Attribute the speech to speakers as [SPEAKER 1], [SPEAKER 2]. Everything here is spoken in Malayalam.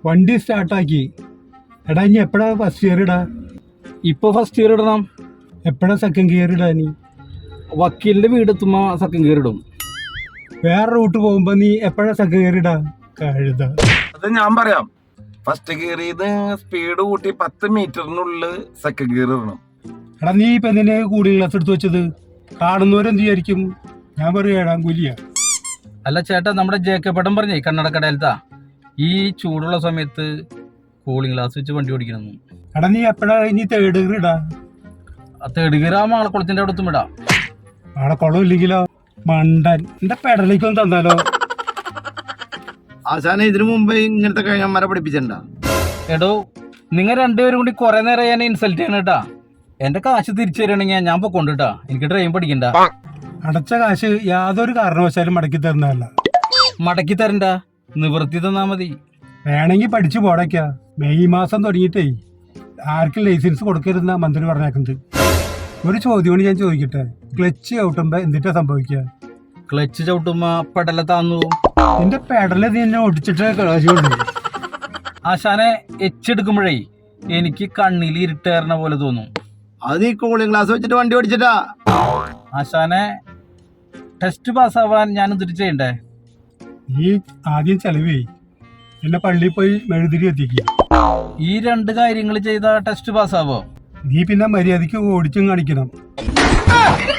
[SPEAKER 1] വണ്ടി സ്റ്റാർട്ടാക്കി. എടാ ഇനി എപ്പോഴാ ഫസ്റ്റ് ഗിയർ ഇടാ?
[SPEAKER 2] ഇപ്പോൾ ഫസ്റ്റ് ഗിയർ ഇടണം.
[SPEAKER 1] എപ്പോഴാ സെക്കൻഡ് ഗിയർ ഇടാ? നീ
[SPEAKER 2] വക്കീലിന്റെ വീടെത്തുമ്പോ സെക്കൻഡ് ഗിയർ ഇടും.
[SPEAKER 1] വേറെ റൂട്ട് പോകുമ്പോ നീ എപ്പോഴാ സെക്കൻഡ് ഗിയർ ഇടാ? കഴുത.
[SPEAKER 3] അത് ഞാൻ പറയാം. ഫസ്റ്റ് ഗിയർ ചെയ്ത് സ്പീഡ് കൂട്ടി 10 മീറ്ററിനുള്ളിൽ സെക്കൻഡ് ഗിയർ ഇടണം.
[SPEAKER 1] എടാ നീ ഇപ്പൊ എന്തിനാ കൂളിംഗ് ഗ്ലാസ് എടുത്ത് വെച്ചത്? കാണുന്നവരെന്ത് വിചാരിക്കും? ഞാൻ പറയും ഏഴാം കൂലിയാ.
[SPEAKER 2] അല്ല ചേട്ടാ, നമ്മുടെ ജേക്കപ്പേട്ടൻ പറഞ്ഞേ കണ്ണടക്കടയിലത്താ ഈ ചൂടുള്ള സമയത്ത് കൂളിംഗ് ഗ്ലാസ് വെച്ച് വണ്ടി ഓടിക്കണം.
[SPEAKER 1] എടാ നീ എപ്പോഴാ ഇനി തേർഡ് ഗിയർ ഇടാ?
[SPEAKER 2] തേർഡ് ഗിയർ ആ മാളക്കുളത്തിന്റെ അവിടെ എത്തും ഇടാം.
[SPEAKER 1] അവിടെ കുളമില്ലെങ്കിലോ? മണ്ടൻ. എന്റെ പെടലേക്കൊന്നും തന്നാലോ?
[SPEAKER 4] ആശാനെ ഇതിനു മുമ്പ് ഇങ്ങനത്തെ കഴിഞ്ഞന്മാരെ പഠിപ്പിച്ചിട്ടുണ്ടാ?
[SPEAKER 2] എടോ, നിങ്ങൾ രണ്ടുപേരും കൂടി കുറെ നേരം ഞാൻ ഇൻസൾട്ട് ചെയ്യണം കേട്ടാ. എന്റെ കാശ് തിരിച്ചു തരണെങ്കിൽ ഞാൻ പൊക്കൊണ്ടിട്ടാ. എനിക്ക് ഡ്രൈവിംഗ് പഠിക്കണ്ട.
[SPEAKER 1] അടച്ച കാശ് യാതൊരു കാരണവശാലും മടക്കി തരുന്നതല്ല.
[SPEAKER 2] മടക്കി തരണ്ട, നിവൃത്തി തന്നാ മതി.
[SPEAKER 1] വേണമെങ്കിൽ പഠിച്ചു പോടയ്ക്ക. മെയ് മാസം തുടങ്ങിയിട്ടേ ആർക്കും ലൈസൻസ് കൊടുക്കരുതെന്നാ മന്ത്രി പറഞ്ഞേക്കുന്നത്. ഒരു ചോദ്യമാണ് ഞാൻ ചോദിക്കട്ടെ, ക്ലച്ച് ചവിട്ടുമ്പോ എന്തിട്ടാ സംഭവിക്കുക?
[SPEAKER 2] ക്ലച്ച് ചവിട്ടുമ്പോ പെടല താന്നു.
[SPEAKER 1] നിന്റെ പെടല് നീ എന്നെ ഒടിച്ചിട്ട് കളാശുണ്ട്.
[SPEAKER 2] ആശാനെ എച്ചെടുക്കുമ്പോഴേ എനിക്ക് കണ്ണിൽ ഇരുട്ടേറണ പോലെ തോന്നും.
[SPEAKER 4] അത് നീ കൂളിംഗ് ഗ്ലാസ് വെച്ചിട്ട് വണ്ടി ഓടിച്ചിട്ടാ.
[SPEAKER 2] ആശാനെ, ടെസ്റ്റ് പാസ്സാവാൻ ഞാൻ എന്തിട്ട് ചെയ്യണ്ടേ?
[SPEAKER 1] നീ ആദ്യം ചെലവേ എന്നെ പള്ളിയിൽ പോയി മെഴുതിരി എത്തിക്കുക.
[SPEAKER 2] ഈ 2 കാര്യങ്ങൾ ചെയ്താ ടെസ്റ്റ് പാസ്സാവോ?
[SPEAKER 1] നീ പിന്നെ മര്യാദയ്ക്ക് ഓടിച്ചും കാണിക്കണം.